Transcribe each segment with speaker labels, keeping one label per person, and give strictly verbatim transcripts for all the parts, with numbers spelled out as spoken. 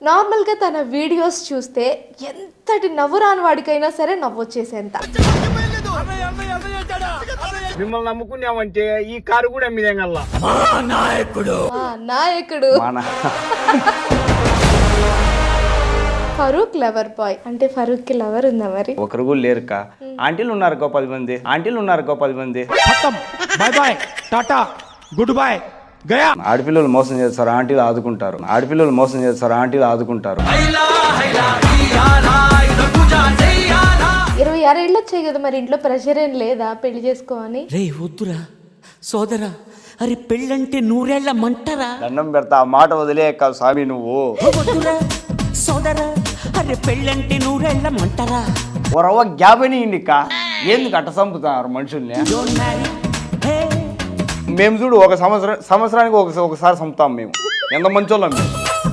Speaker 1: Normal గా తన videos చూస్తే ఎంతటి నవ్వు రాని వాడికైనా సరే నవ్వు వచ్చేసేంత.
Speaker 2: మిమ్మల్ని నమ్ముకున్నామంటే ఈ కారు కూడా మీదేగల్లా
Speaker 1: నాయకుడు నాయకుడు ఫరూక్ లవర్ బాయ్ అంటే ఫరూక్ కి లవర్ ఉందా మరి?
Speaker 3: ఒకరు కూడా లేరుక. ఆంటీలు ఉన్నారు కో పది మంది, ఆంటీలు ఉన్నారు కో పది మంది.
Speaker 2: Bye bye tata good bye గయా.
Speaker 3: ఆడపిల్లలు మోసం చేస్తారు, ఆంటీలు ఆదుకుంటారు. ఆడపిల్లలు మోసం చేస్తారు, ఆంటీలు ఆదుకుంటారు.
Speaker 1: ఇరవై ఆరు ఏళ్ళు వచ్చాయి కదా, మరి ఇంట్లో ప్రెషర్ ఏం లేదా పెళ్లి చేసుకోవని?
Speaker 4: రే వద్దురా సోదరా, అరే పెళ్ళంటే నూరేళ్ల మంటరా.
Speaker 3: దండం పెడతా, ఆ మాట వదిలేక స్వామి నువ్వు.
Speaker 4: వద్దురా సోదరా, అరే పెళ్ళంటే నూరేళ్ల మంటరా.
Speaker 3: ఓ రవ్వ గ్యాప్ అని ఇండిక ఎందుకు అట్ట చంపుతున్నారు మనుషుల్ని? మేము చూడు ఒక సంవత్సరం సంవత్సరానికి ఒక ఒకసారి చంపుతాం మేము. ఎంత మంచోళ్ళం మేము.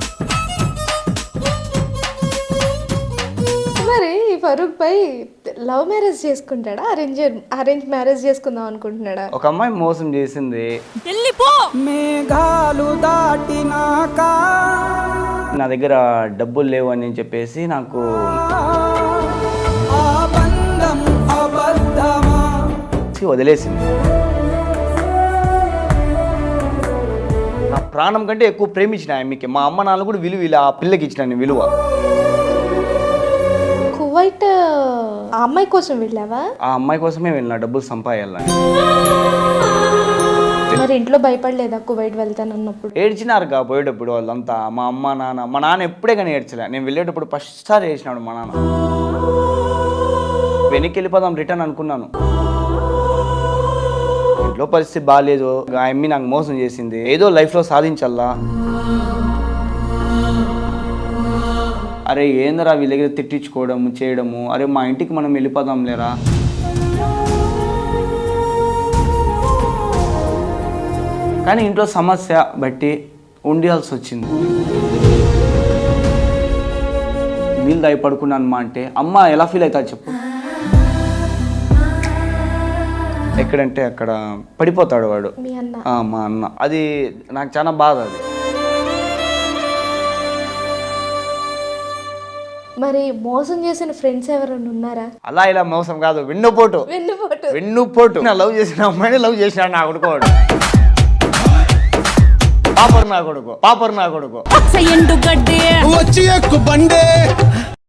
Speaker 1: మరి ఫరూక్ భాయ్ లవ్ మ్యారేజ్ చేసుకుంటాడా, అరేంజ్ అరేంజ్ మ్యారేజ్ చేసుకుందాం అనుకుంటున్నాడా?
Speaker 3: ఒక అమ్మాయి మోసం చేసింది.
Speaker 4: మేఘాలు దాటినాక
Speaker 3: నా దగ్గర డబ్బులు లేవు అని చెప్పేసి నాకు వదిలేసింది. నా ప్రాణం కంటే ఎక్కువ ప్రేమించిన ఆమెకి మా అమ్మ నాన్న కూడా విలువ ఇలా ఆ పిల్లకి ఇచ్చిన విలువ.
Speaker 1: కువైట్ ఆ అమ్మాయి కోసం వెళ్ళావా?
Speaker 3: ఆ అమ్మాయి కోసమే వెళ్ళిన డబ్బులు సంపాదించాలని.
Speaker 1: మరి ఇంట్లో భయపడలేదా కువైట్ వెళ్తానన్నప్పుడు?
Speaker 3: ఏడ్చినారు కా పోయేటప్పుడు వాళ్ళంతా. మా అమ్మ నాన్న మా నాన్న ఎప్పుడే కానీ ఏడ్చలే. నేను వెళ్ళేటప్పుడు ఫస్ట్ సారి ఏడ్చినాడు మా నాన్న. వెనక్కి వెళ్ళిపోదాం రిటర్న్ అనుకున్నాను. ఇంట్లో పరిస్థితి బాగాలేదు, ఆ అమ్మి నాకు మోసం చేసింది. ఏదో లైఫ్లో సాధించాలా. అరే ఏందరా వీళ్ళ దగ్గర తిట్టించుకోవడము చేయడము. అరే మా ఇంటికి మనం వెళ్ళిపోదాం లేరా. కానీ ఇంట్లో సమస్య బట్టి ఉండాల్సి వచ్చింది. వీళ్ళు దాయి పడుకున్నాను మా అంటే అమ్మ ఎలా ఫీల్ అవుతా చెప్పు. ఎక్కడంటే అక్కడ పడిపోతాడు వాడు, మా అన్న. అది నాకు చాలా బాధ. అది
Speaker 1: మరి మోసం చేసిన ఫ్రెండ్స్ ఎవరైనా ఉన్నారా?
Speaker 3: అలా ఇలా మోసం కాదు, వెన్నుపోటు
Speaker 1: వెన్నుపోటు
Speaker 3: వెన్నుపోటు నా లవ్ చేసిన అమ్మాయిని లవ్ చేసినాడు నా కొడుకోడు. పాపర్ నా కొడుకు పాపర్ నా కొడుకు
Speaker 5: వచ్చి ఎక్కు బండే